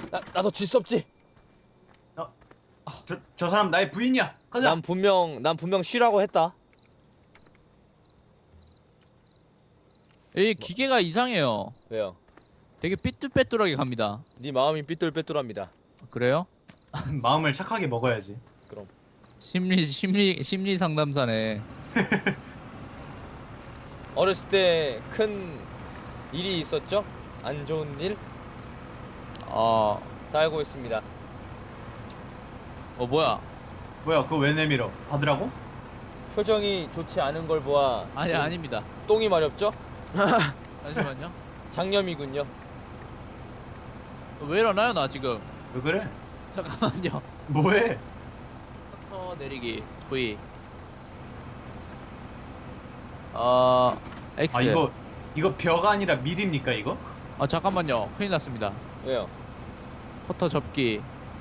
나도 질 수 없지. 저 사람 나의 부인이야. 가자. 난 분명 쉬라고 했다. 이 기계가 이상해요. 왜요? 되게 삐뚤빼뚤하게 갑니다. 네 마음이 삐뚤빼뚤합니다. 그래요? 마음을 착하게 먹어야지. 그럼. 심리 상담사네. 어렸을 때 큰 일이 있었죠? 안 좋은 일? 다 알고 있습니다. 뭐야? 뭐야 그거 왜 내밀어? 받으라고? 표정이 좋지 않은 걸 보아 아니 지금 아닙니다. 똥이 마렵죠? 잠시만요. 장염이군요. 왜 이러나요 나 지금? 왜 그래? 잠깐만요. 뭐해? 커터 내리기 V. X. 아 이거 벼가 아니라 밀입니까 이거? 잠깐만요. 큰일 났습니다. 왜요? 커터 접기.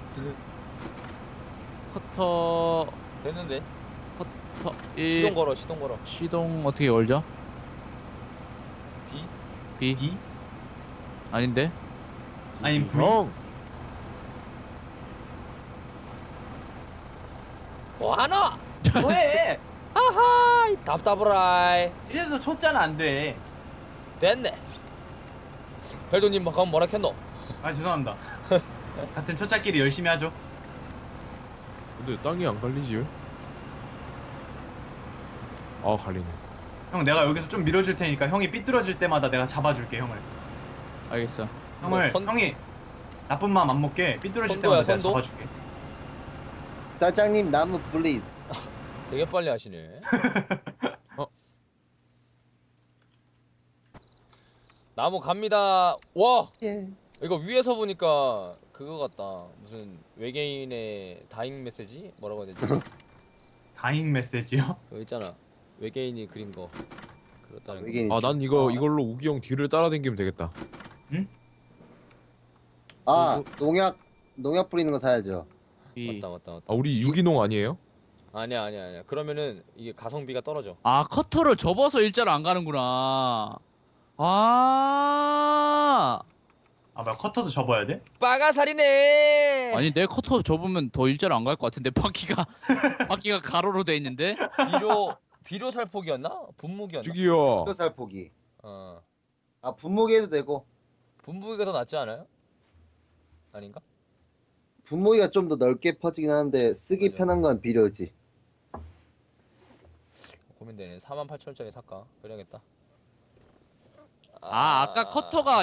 커터 됐는데. 이 시동 걸어. 시동 어떻게 걸죠? B? B? B? 아닌데? 아니 V? 뭐하나? 뭐해? 하하 답답하라이. 이래서 쳤잖아 안돼. 됐네. 벨도님 뭐 가면 뭐라 했노? 아 죄송합니다. 같은 첫차끼리 열심히 하죠. 근데 땅이 안 갈리지? 아 갈리네. 형 내가 여기서 좀 밀어줄 테니까 형이 삐뚤어질 때마다 내가 잡아줄게 형을. 알겠어. 형을 형이 나쁜 마음 안 먹게 삐뚤어질 때마다 내가 선도? 잡아줄게. 사장님 나무 플리즈. 되게 빨리 하시네. 나무 갑니다. 와! 예. 이거 위에서 보니까 그거 같다. 무슨 외계인의 다잉 메시지? 뭐라고 해야 되지? 다잉 메시지요? 그거 있잖아. 외계인이 그린 거. 그렇다는 거. 외계인. 난 이걸로 우기 형 뒤를 따라다니면 되겠다. 농약 뿌리는 거 사야죠. B. 맞다. 우리 유기농 아니에요? 아니야. 그러면은 이게 가성비가 떨어져. 커터를 접어서 일자로 안 가는구나. 뭐야 커터도 접어야 돼? 빠가살이네. 아니 내 커터 접으면 더 일자로 안 갈 것 같은데 바퀴가 가로로 돼 있는데. 비료 살포기였나? 분무기였나? 저기요. 뼈살포기. 어. 분무기 해도 되고. 분무기가 더 낫지 않아요? 아닌가? 분무기가 좀 더 넓게 퍼지긴 하는데 쓰기 맞아. 편한 건 비료지. 고민되네. 48,000원짜리 살까? 그래야겠다. 아까 커터가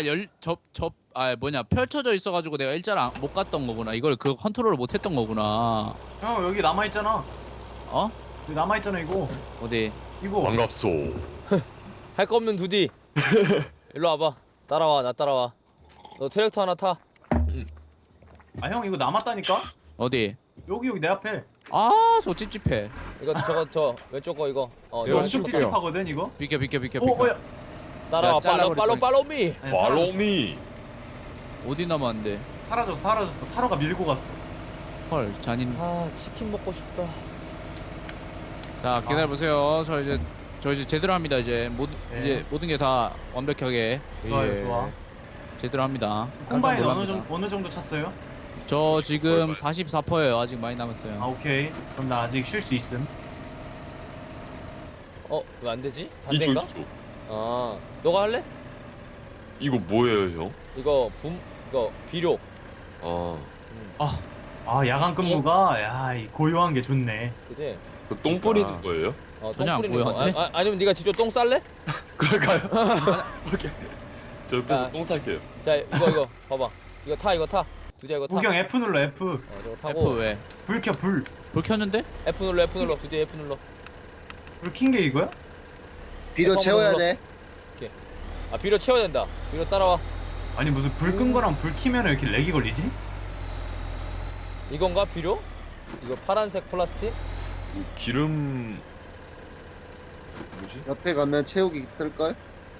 펼쳐져 있어가지고 내가 일자로 못 갔던 거구나. 이걸 그 컨트롤을 못 했던 거구나. 형 여기 남아있잖아. 어? 여기 남아있잖아 이거. 어디? 이거 반갑소. 할 거 없는 두디. 일로 와봐. 나 따라와. 너 트랙터 하나 타. 아 형 이거 남았다니까? 어디? 여기 내 앞에. 저 찝찝해. 이거 저 왼쪽 거 이거. 내가 이거 너 엄청 해줄게요. 찝찝하거든 이거? 비켜. 뭐야? 따라와. 야, 잘라버릴 팔로우 미. 아니, Follow me. 어디 남았는데? 사라졌어. 타로가 밀고 갔어. 헐 잔인. 치킨 먹고 싶다. 자 기다려보세요. 저 이제 제대로 합니다. 이제 네. 이제 모든 게 다 완벽하게 좋아요, 좋아. 제대로 합니다. 콤바인 깜짝 어느 정도 찼어요? 저 지금 44%예요. 아직 많이 남았어요. 오케이. 그럼 나 아직 쉴 수 있음. 왜 안 되지? 반대인가? 이쪽. 너가 할래? 이거 뭐예요, 형? 이거 비료. 야간 근무가 이 고요한 게 좋네. 그지? 그 똥 뿌리는 거예요? 전혀 안 똥 뿌리는 거. 보여. 아니면 네가 직접 똥 쌀래? 그럴까요? 오케이. 저 옆에서 아. 똥 쌀게요. 자 이거 봐봐. 이거 타. 두디야 이거 타. 우경 F 눌러 F. 저거 F 타고 왜? 불 켜 불. 불 켰는데? F 눌러. 두디 F 눌러. 불 킨 게 이거야? 비료 채워야 돼. 비료 채워야 된다. 비료 따라와. 아니 무슨 불 끈 거랑 불 키면 이렇게 렉이 걸리지? 이건가 비료? 이거 파란색 플라스틱? 뭐 기름 뭐지? 옆에 가면 채우기 뜰걸?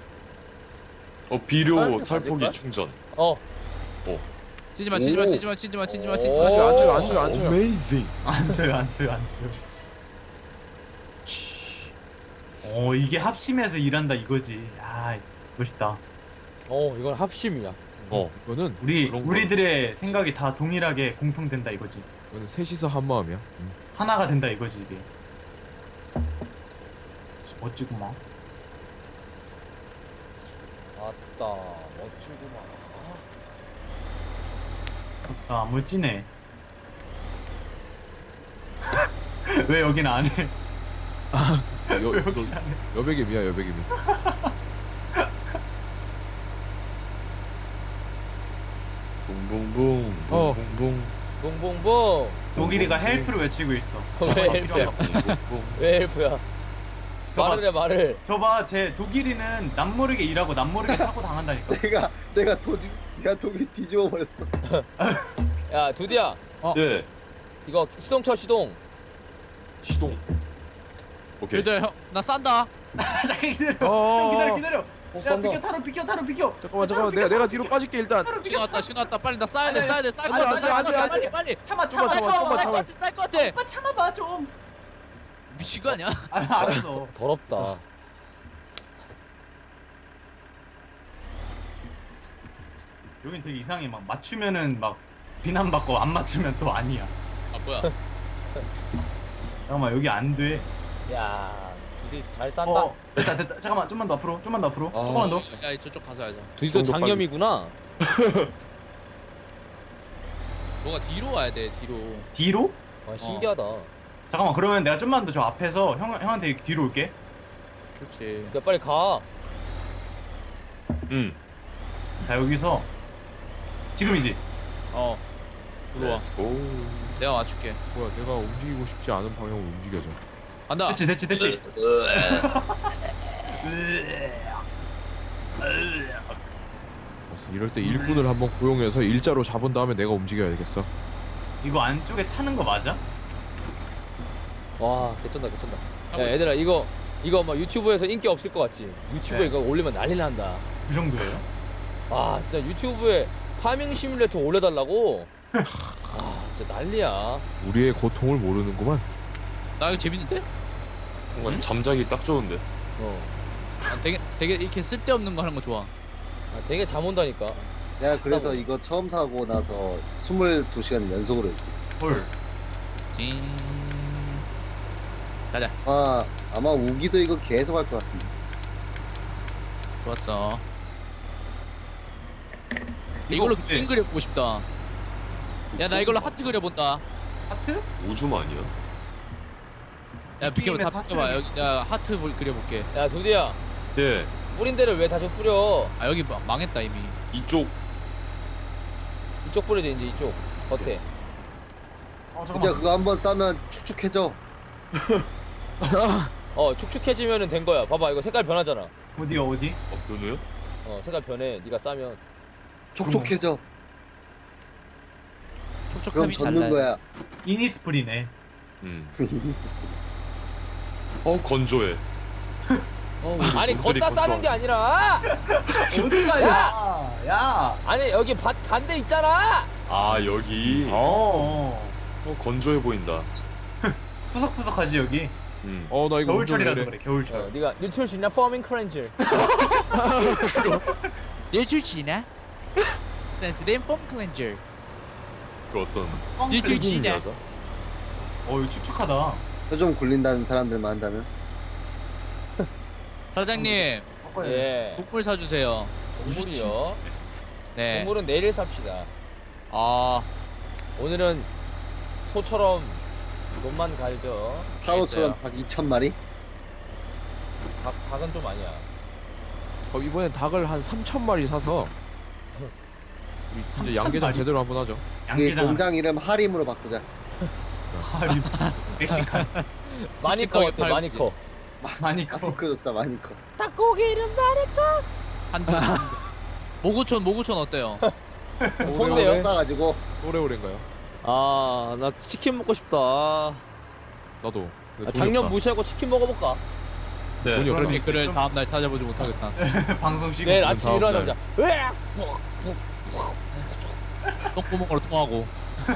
비료 파란색 살포기 아닐까? 충전. 치지마. 안 줘요. Amazing. 안 줘요. 이게 합심해서 일한다 이거지. 멋있다. 이건 합심이야. 이거는 우리들의 생각이 다 동일하게 공통된다 이거지. 이거는 셋이서 한 마음이야. 하나가 된다 이거지 이게. 멋지구만. 아따 멋지구만. 아 멋지네. 왜 여긴 안 해? 여백임이야 여백임이. 붕붕붕 어. 붕붕붕 붕붕붕. 독일이가 헬프를 외치고 있어. 왜 헬프야? 붕붕붕. 왜 헬프야? 말을 해 말을. 저봐 제 독일이는 남모르게 일하고 남모르게 사고 당한다니까. 내가 독일 뒤집어 버렸어. 야 두디야 예. 이거 시동 켜 시동. 시동. 오케이. 일단 형나 싼다. 잠깐 기다려. 어. 형 기다려. 야 싼다. 비켜 타로 비켜. 잠깐만 내가 뒤로 빠질게 일단. 신호 왔다 빨리 나 싸야 돼 아니, 싸야 돼 쌀 것 아니, 같아 쌀 아니, 것 같아 아니, 빨리 아니. 빨리 참아 잠깐만, 쌀 것 같아 오빠 참아봐 좀. 미친 거 아니야? 아 알았어. 더럽다. 여긴 되게 이상해. 막 맞추면은 막 비난받고 안 맞추면 또 아니야. 아 뭐야? 잠깐만 여기 안 돼. 야 두디 잘 싼다. 됐다. 잠깐만 좀만 더 앞으로. 조금만 더. 야 저쪽 가서 하자. 두디도 정도 장염이구나. 뭐가 뒤로 와야 돼 뒤로. 뒤로? 아, 신기하다. 잠깐만 그러면 내가 좀만 더 저 앞에서 형한테 뒤로 올게. 그렇지. 야 빨리 가. 자 여기서 지금이지. 들어와. Let's go. 내가 맞출게. 뭐야 내가 움직이고 싶지 않은 방향으로 움직여져. 간다. 됐지. 그래서 이럴 때 일꾼을 한번 고용해서 일자로 잡은 다음에 내가 움직여야겠어. 이거 안쪽에 차는 거 맞아? 와 개쩐다. 하고 야 얘들아 이거 막 유튜브에서 인기 없을 것 같지? 유튜브에 네. 이거 올리면 난리 난다. 그 정도예요? 아 진짜 유튜브에 파밍 시뮬레이터 올려달라고. 아 진짜 난리야. 우리의 고통을 모르는구만. 나 이거 재밌는데? 뭔가 잠자기 딱 좋은데. 아, 되게 이렇게 쓸데없는 거 하는 거 좋아. 아, 되게 잠 온다니까. 내가 그래서 이거 처음 사고 나서 22시간 연속으로 했지. 헐. 징. 아마 우기도 이거 계속 할 것 같은데. 좋았어. 이거 이걸로 근데- 그림 그려보고 싶다. 야 나 이걸로 하트 그려본다. 하트? 오줌 아니야? 야 비켜봐 다 하트 비켜봐. 그려. 여기 야 하트 그려볼게. 야 두디야 예. 뿌린 데를 왜 다시 뿌려? 아 여기 망했다 이미. 이쪽. 이쪽 뿌려줘 이제 이쪽 겉에. 어 근데 잠깐만. 그거 한번 싸면 축축해져. 축축해지면은 된 거야. 봐봐 이거 색깔 변하잖아. 어디? 변해요? 색깔 변해. 네가 싸면. 촉촉해져. 그럼 촉촉함이 젖는 달라요. 거야. 이니스프리네. 건조해. 아니 분들이 걷다 싸는 게 아니라. 어디가 야. 아니 여기 밭 간데 있잖아. 아 여기. 건조해 보인다. 푸석푸석하지 여기. 나 이거 겨울철이라서 운전을 그래. 해. 겨울철. 네가 뉴트럴 수 있나? 포밍 크렌즈. 예출지나? 댄스댄 폼 클렌저. 그 어떤. 예출지나? 이거 축축하다. 좀 굴린다는 사람들만 한다는. 사장님 예. 국물 사주세요. 동물이요. 네. 동물은 내일 삽시다. 아 오늘은 소처럼 돈만 갈죠. 타로처럼 닭 2,000마리? 닭은 좀 아니야. 그럼 이번엔 닭을 한 3,000마리 사서 우리 진짜 양계장 3,000마리? 제대로 한번 하죠. 우리 양계장. 공장 이름 하림으로 바꾸자. 멕시칸. 마니커 어때? 팔- 마니커. 많이 커. 많이 커졌다 많이 커. 닭고기 이름 마니커. 모구촌 어때요? 손대요? 싸가지고 오래오래인가요? 아, 나 치킨 먹고 싶다. 나도. 근데 돈이 작년 없다. 무시하고 치킨 먹어볼까? 네. 돈이 그런 없다. 댓글을 다음날 찾아보지 못하겠다. 방송 쉬고. 내일 아침 다음 일어나자마자 으악! 똥구멍으로 통하고.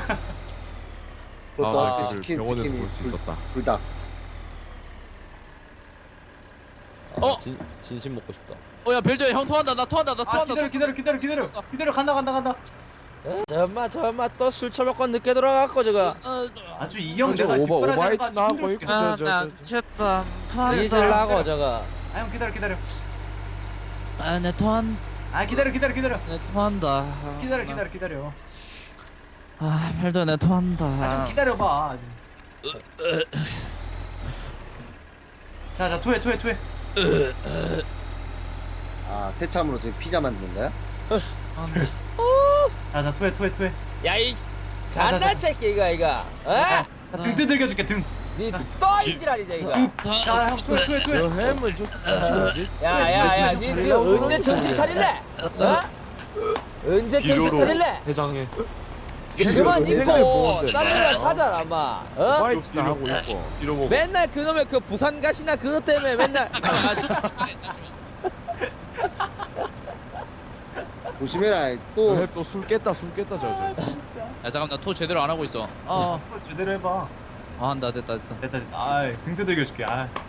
그것도 아, 앞에 시킨 병원에서 치킨이 볼 수 있었다. 불닭. 어? 진심 먹고 싶다. 야 벨저야 형 토한다. 나 토한다. 아 기다려 간다. 저마 또 술 처먹고 늦게 돌아갔고 저거. 아주 이형 저 내가 오바이트나 하고 있고 쳤다. 잊으려고 저거. 아형 기다려 내 토한. 기다려 내 토한다. 기다려 벨도 내 토한다. 좀 기다려봐 자 토해 아 새참으로 지금 피자 만드는 거야? 자 토해 야이 간다 새끼 이거. 어? 등 두들겨줄게 등 니또 이지랄이자 이거. 자형 토해 저 햄을 좀 뭐지? 야야야 니 언제 정신 차릴래? 언제 정신 비료로 차릴래? 해장해. 그만 생각이 입고 뭔데? 딴 데나 찾아라 마. 어? 오바이트나 하고 있고. 이러 먹어. 맨날 그놈의 그 부산 가시나 그것 때문에 맨날 조심해라. 또 또술 깼다 저저. 야 잠깐 나 토 제대로 안 하고 있어. 제대로 해봐 한다 됐다. 됐다 아이 등 두들겨줄게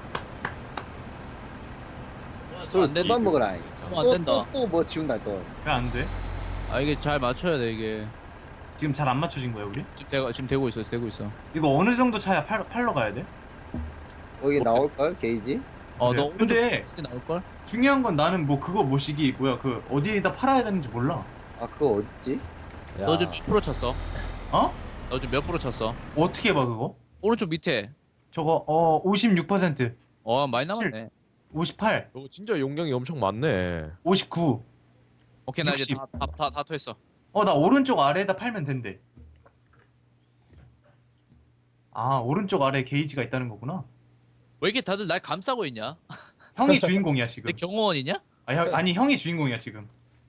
술 안 된다. 그만 먹어라. 안 된다. 또 뭐 지운다 또. 왜 안 돼? 이게 잘 맞춰야 돼 이게. 지금 잘 안 맞춰진 거야 우리? 지금 되고 있어. 이거 어느 정도 차야 팔러 가야 돼? 거기 나올 걸 게이지? 너 그래. 오른쪽 근데 나올 걸? 중요한 건 나는 뭐 그거 뭐시기 뭐야 그 어디에다 팔아야 되는지 몰라 아 그거 어딨지? 너 지금 몇 프로 쳤어? 어? 너 지금 몇 프로 쳤어? 어떻게 봐 그거? 오른쪽 밑에. 저거 56% 많이 17. 남았네. 58 너 진짜 용량이 엄청 많네. 59 오케이 나 이제 60. 다 토했어. 나 오른쪽 아래에다 팔면 된대 아 오른쪽 아래에 게이지가 있다는 거구나 왜 이렇게 다들 날 감싸고 있냐? 형이 주인공이야 지금 내 경호원이냐? 아니 형이 주인공이야 지금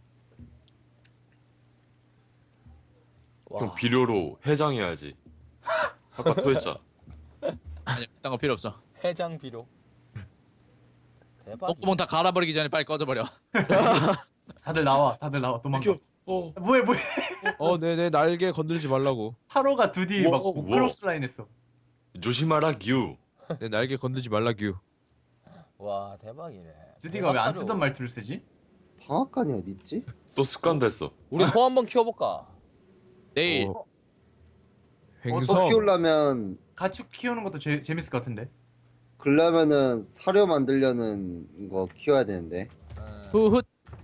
그럼 비료로 해장해야지. 아까 토했잖아. 아니 딴 거 필요 없어. 해장 비료. 대박. 똥구멍 다 갈아버리기 전에 빨리 꺼져버려. 다들 나와 도망가 뭐해 내 날개 건들지 말라고. 하로가 드디 막 우와. 크로스 라인 했어 조심하라 규. 내 날개 건들지 말라규. 와 대박이네. 드디가 왜 안 쓰던 말투를 쓰지? 방앗간이 어딨지? 또 습관 됐어. 우리 소 한번 키워볼까? 내일 어. 또 행성. 키우려면 가축 키우는 것도 재밌을 것 같은데 그러면은 사료 만들려는 거 키워야 되는데. 후훗.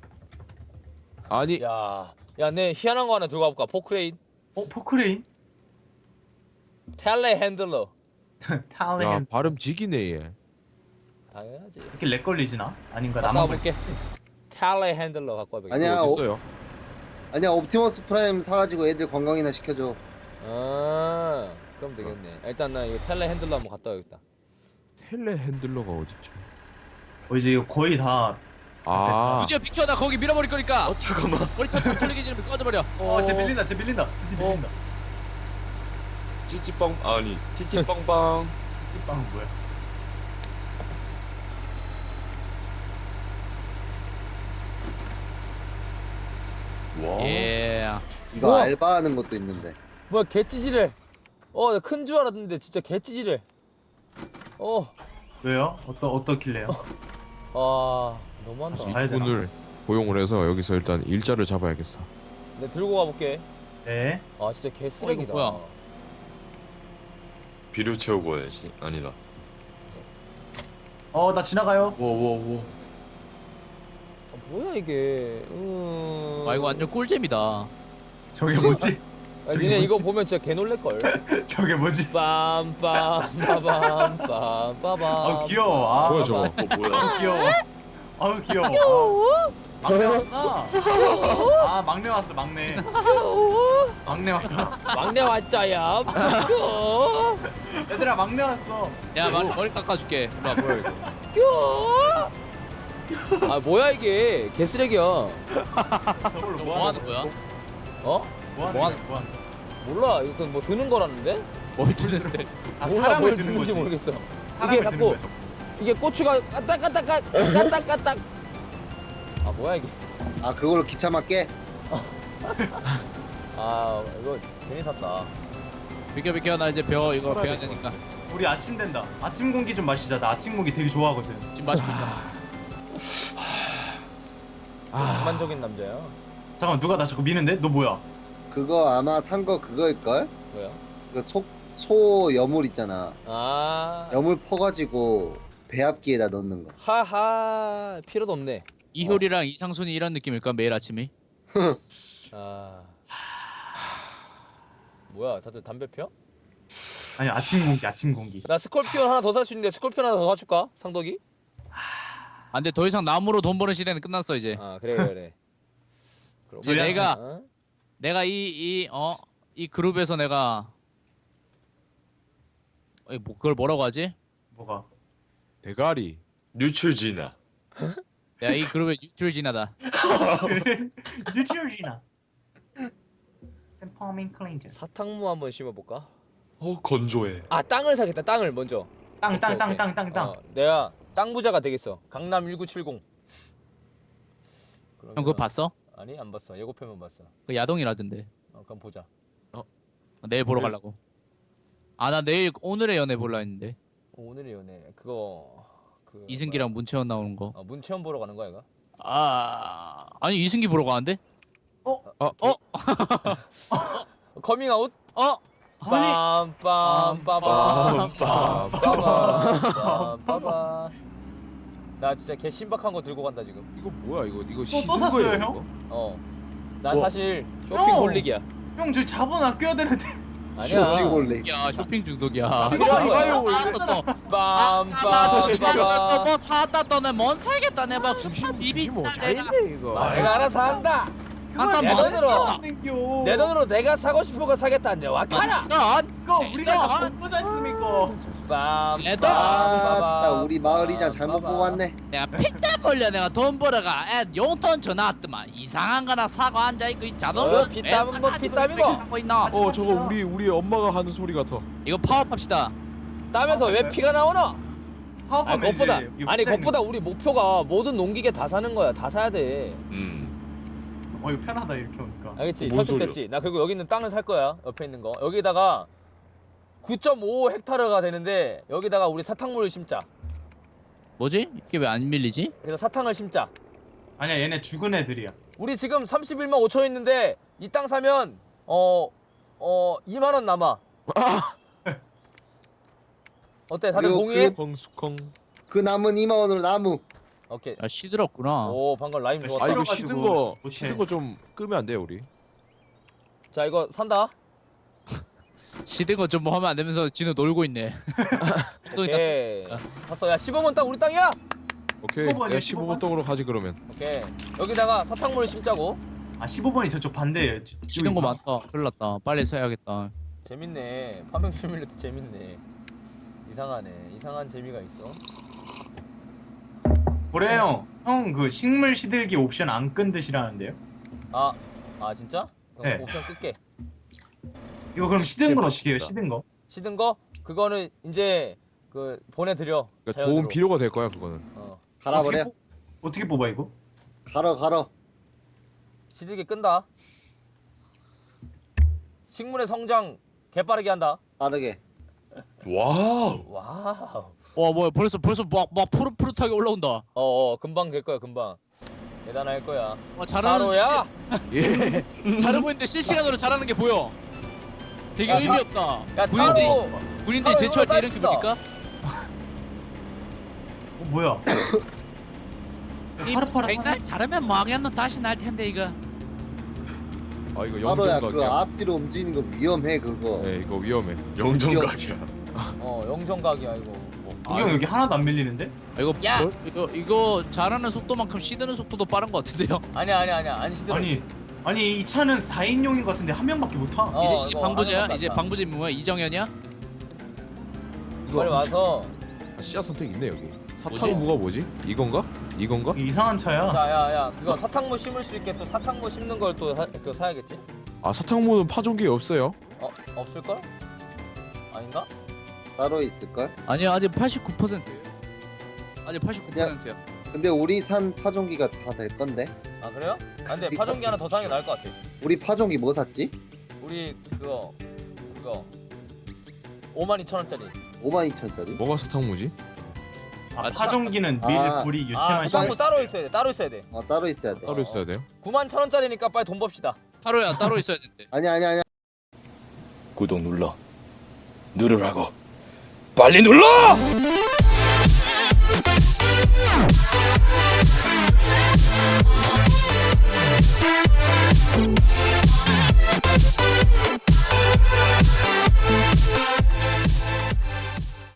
아니 야내 희한한 거 하나 들고 가볼까? 포크레인. 포크레인? 텔레 핸들러. 야 탈렌 발음 지기네 얘. 당연하지. 이렇게 렉 걸리지나? 아닌가 갖고 나만 와볼게. 텔레 핸들러 갖고 와볼게. 아니야 어딨어요? 아니야 옵티머스 프라임 사가지고 애들 관광이나 시켜줘. 그럼 되겠네. 일단 나 이거 텔레 핸들러 한번 갔다 와야겠다. 텔레 핸들러가 어딨지? 이제 이거 거의 다 드디어 비켜. 나 거기 밀어버릴 거니까. 잠깐만. 머리차 다 털리기 전에 꺼져버려. 쟤 밀린다 드디 밀린다 찌찌빵 아니 티티빵빵. 빵은 뭐야 와. 예. 이거 우와. 알바하는 것도 있는데. 뭐야 개찌질해. 큰 줄 알았는데 진짜 개찌질해. 왜요? 어떻길래요? 너무한다. 가야 되나? 이분을 고용을 해서 여기서 일단 일자를 잡아야겠어. 내가 들고 가볼게. 네 진짜 개쓰레기다. 이거 뭐야? 비료 채우고 와야지. 아니다. 나 지나가요 와와와. 뭐야 이게. 이거 완전 꿀잼이다. 저게 뭐지? 니네 이거 보면 진짜 개 놀랄걸. 저게 뭐지? 빰빰 빠밤 빰빠밤. 귀여워 뭐야 저거? 뭐야? 귀여워 귀여워 막내 왔구나 막내 왔어 막내 왔구나 막내 왔자야. 얘들아 막내 왔어 야 머리 깎아줄게. 일로 와. 뭐야 이거? 뭐야 이게 개쓰레기야. 저걸로 뭐 하는 거야? 뭐하는 거야? 몰라 이거 뭐 드는 거라는데? 뭘 치는데? 몰라 사람을 뭘 드는 드는지 거지. 모르겠어. 사람을 이게 드는 자꾸 거야, 저거. 이게 고추가 까딱까딱 뭐야 이게. 아 그걸로 기차 맞게? 이거 괜히 샀다. 비켜 나 이제 이거 배워야 되니까. 우리 아침 된다 아침 공기 좀 마시자 나 아침 공기 되게 좋아하거든 지금 마시고 있잖아. 낭만적인 남자야. 잠깐만 누가 나 자꾸 미는데? 너 뭐야? 그거 아마 산 거 그거일걸? 뭐야? 그 소 여물 있잖아. 아, 여물 퍼가지고 배합기에다 넣는 거. 하하, 필요도 없네. 이효리랑 이상순이 이런 느낌일까 매일 아침이? 아, 뭐야? 다들 담배 펴? 아니 아침 공기. 나 스콜피온 하나 더 살 수 있는데 스콜피온 하나 더 사줄까? 상덕이? 안 돼, 더 이상 나무로 돈 버는 시대는 끝났어 이제. 아, 그래. 이제 그래? 내가 이 그룹에서 내가 그걸 뭐라고 하지? 뭐가? 대가리. 뉴출지나. 내가 이 그룹의 뉴트리지나다. 뉴트리지나. 샘퍼밍 클린즈. 사탕무 한번 심어볼까? 건조해. 아, 땅을 사겠다. 땅을 먼저. 땅. 내가 땅 부자가 되겠어. 강남 1970. 형 그거 봤어? 아니, 안 봤어. 예고편만 봤어. 그 야동이라던데. 그럼 보자. 내일 보러 가려고. 아 나 내일 오늘의 연애 볼라 했는데. 오늘의 연애 그거 이승기랑 문채원 나오는 거. 문채원 보러 가는 거야, 이거? 아니 이승기 보러 가는데? 커밍아웃? 아니. 빰빰빰빰빰빰빰빰빰. 나 진짜 개 신박한 거 들고 간다 지금. 이거 뭐야 이거 또 씻는 샀어요, 거예요, 형? 이거? 난 뭐? 사실 쇼핑홀릭이야. 형 저희 자본 아껴야 되는데. 아니야. 쇼핑홀리. 야 쇼핑 중독이야. 필요한 거야. 사왔어 또. 빰빰빰빰. 뭐 사왔다 또는 뭔 사겠다 내봐 이게 뭐 디비진다 내가 잘인데 이거. 내가 알아서 한다. 아따 내 뭐 돈으로. 땡겨. 내 돈으로 내가 사고 싶은 거 사겠다는데 와 카라. 이거 우리가 다 먹고 지 않습니까? 아따 빰빰빰. 우리 마을 이장 잘못 뽑았네. 내가 피땀 흘려 내가 돈 벌어가 애 용돈 전화 왔더만 이상한 거나 사고 앉아있고 이 자동차 피땀은 뭐 피땀이고. 하고 있나 저거 우리 엄마가 하는 소리 같아. 이거 파업합시다. 땀에서 왜 피가 나오나? 파업하면 그것보다 이제 이거 아니 부자인 그것보다 우리 목표가 모든 농기계 다 사는 거야. 다 사야 돼. 이거 편하다 이렇게 오니까. 알겠지? 뭔 설득됐지? 나 그리고 여기 있는 땅을 살 거야. 옆에 있는 거. 여기다가 9.5 헥타르가 되는데 여기다가 우리 사탕물을 심자. 뭐지? 이게 왜 안 밀리지? 그래서 사탕을 심자. 아니야 얘네 죽은 애들이야. 우리 지금 31만 5천 있는데 이 땅 사면 2만 원 남아. 어때? 다들 그리고 동의해? 컹수컹. 그 남은 2만 원으로 나무. 오케이. 아 시들었구나. 오 방금 라임 좋았다. 아 이거 시들어가지고 씻은 못해. 거 좀 끄면 안 돼요 우리? 자 이거 산다. 시든 거 좀 뭐 하면 안 되면서 진우 놀고 있네. 또 있다. 오케이. 샀어. 야 15번 땅 우리 땅이야. 오케이. 15번 내가 이야, 15번 떡으로 가지 그러면. 오케이. 여기다가 사탕물을 심자고. 아 15번이 저쪽 반대예요. 시든 거 많다. 큰일 났다. 빨리 사야겠다. 재밌네. 파밍 시뮬레이터 재밌네. 이상하네. 이상한 재미가 있어. 그래 형. 형 그 식물 시들기 옵션 안 끈 듯이라는데요? 아 진짜? 그럼 네. 옵션 끌게. 이거 그럼 시든 건 맛있다. 어떻게 해요? 시든 거? 시든 거? 그거는 이제 그 보내드려. 그러니까 자연으로. 좋은 비료가 될 거야 그거는. 갈아버려. 어떻게 뽑아 이거? 갈아. 시들기 끈다. 식물의 성장 개빠르게 한다. 빠르게. 와우. 와우. 와 뭐야 벌써 막 푸릇푸릇하게 올라온다. 금방 될 거야 금방. 대단할 거야. 잘하는 바로야. 잘하고 있는데 실시간으로 잘하는 게 보여. 되게 야, 의미 없다. 야 군인들이 타로. 군인들이 제초할 때 이런 사이즈다. 기분일까? 뭐야? 이 파릇파릇 백날 잘하면 망했노 다시 날 텐데 이거 아 이거 따로야 그 영정각이야. 앞뒤로 움직이는 거 위험해 그거. 네 이거 위험해. 영정각이야. 영정각이야 이거. 이형 여기 하나도 안 밀리는데? 아, 이거 야! 이거 잘하는 속도만큼 시드는 속도도 빠른 것 같은데요? 아니야 안 시들어. 아니 이 차는 4인용인 것 같은데 한 명밖에 못 타. 이제 이거 방부제야? 하나도 이제 안 나. 방부제 뭐야? 이정현이야? 빨리 와서. 씨앗 선택 있네 여기. 뭐지? 사탕무가 뭐지? 이건가? 이건가? 이상한 차야. 자 야야 그거 사탕무 심을 수 있게 또 사탕무 심는 걸 또 그거 사야겠지? 아 사탕무는 파종기 없어요. 없을 걸? 아닌가? 따로 있을걸? 아니야 아직 89%. 아직 89%야. 근데 우리 산 파종기가 다 될 건데. 아 그래요? 아 근데 파종기 하나 더 사는 게 나을 것 같아. 우리 파종기 뭐 샀지? 우리 그거 52,000원짜리. 52,000짜리? 뭐가 사탕무지? 아, 참- 파종기는 아. 밀, 불이, 아, 유체만 사탕물 따로 있어야 돼. 따로 있어야 돼. 따로 있어야 돼. 따로 있어야 돼요? 91,000원짜리니까 빨리 돈 법시다. 하루야 따로 있어야 된대. 아니야. 구독 눌러. 누르라고. 빨리 눌러!